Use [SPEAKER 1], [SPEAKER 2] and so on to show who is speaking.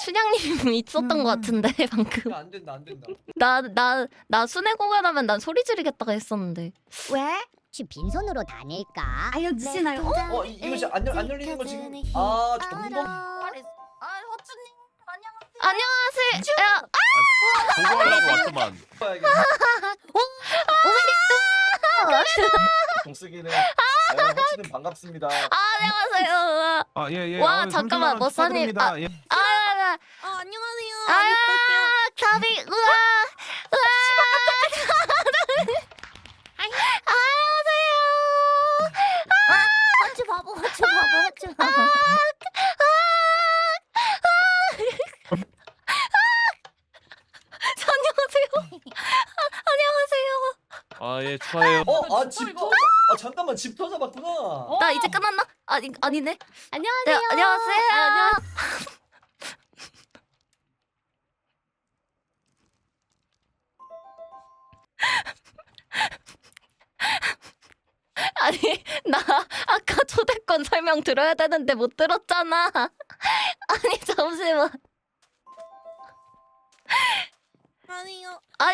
[SPEAKER 1] 춘향님 있었던 것 같은데 방금.
[SPEAKER 2] 안 된다 안 된다.
[SPEAKER 1] 나 순회 공연하면 난 소리 지르겠다가 했었는데.
[SPEAKER 3] 왜? 혹시 빈손으로 다닐까?
[SPEAKER 4] 알려주시나요?
[SPEAKER 2] 이거 진짜 안 열리는 거 지금. 아 점검.
[SPEAKER 4] 허준님
[SPEAKER 1] 안녕하세요. 야,
[SPEAKER 5] 보고하려고 왔더만.
[SPEAKER 2] 동쓰기는. 허치는 반갑습니다.
[SPEAKER 1] 안녕하세요.
[SPEAKER 5] 아, 예.
[SPEAKER 1] 와, 잠깐만, 머싸님.
[SPEAKER 5] 축하드립니다. 예.
[SPEAKER 4] 안녕하세요.
[SPEAKER 1] 가비, 우와.
[SPEAKER 3] 허쭈 바보, 허쭈 바보, 허쭈 바보.
[SPEAKER 1] 안녕하세요. 안녕하세요.
[SPEAKER 5] 아, 예, 축하해요.
[SPEAKER 2] 집 터져. 잠깐만 집 터져봤구나.
[SPEAKER 1] 나 이제 끝났나? 아니네.
[SPEAKER 3] 안녕하세요.
[SPEAKER 1] 네, 안녕하세요. 아니, 나 아까 초대권 설명 들어야 되는데 못 들었잖아. 아니, 잠시만.
[SPEAKER 4] 아니요.
[SPEAKER 1] 아니,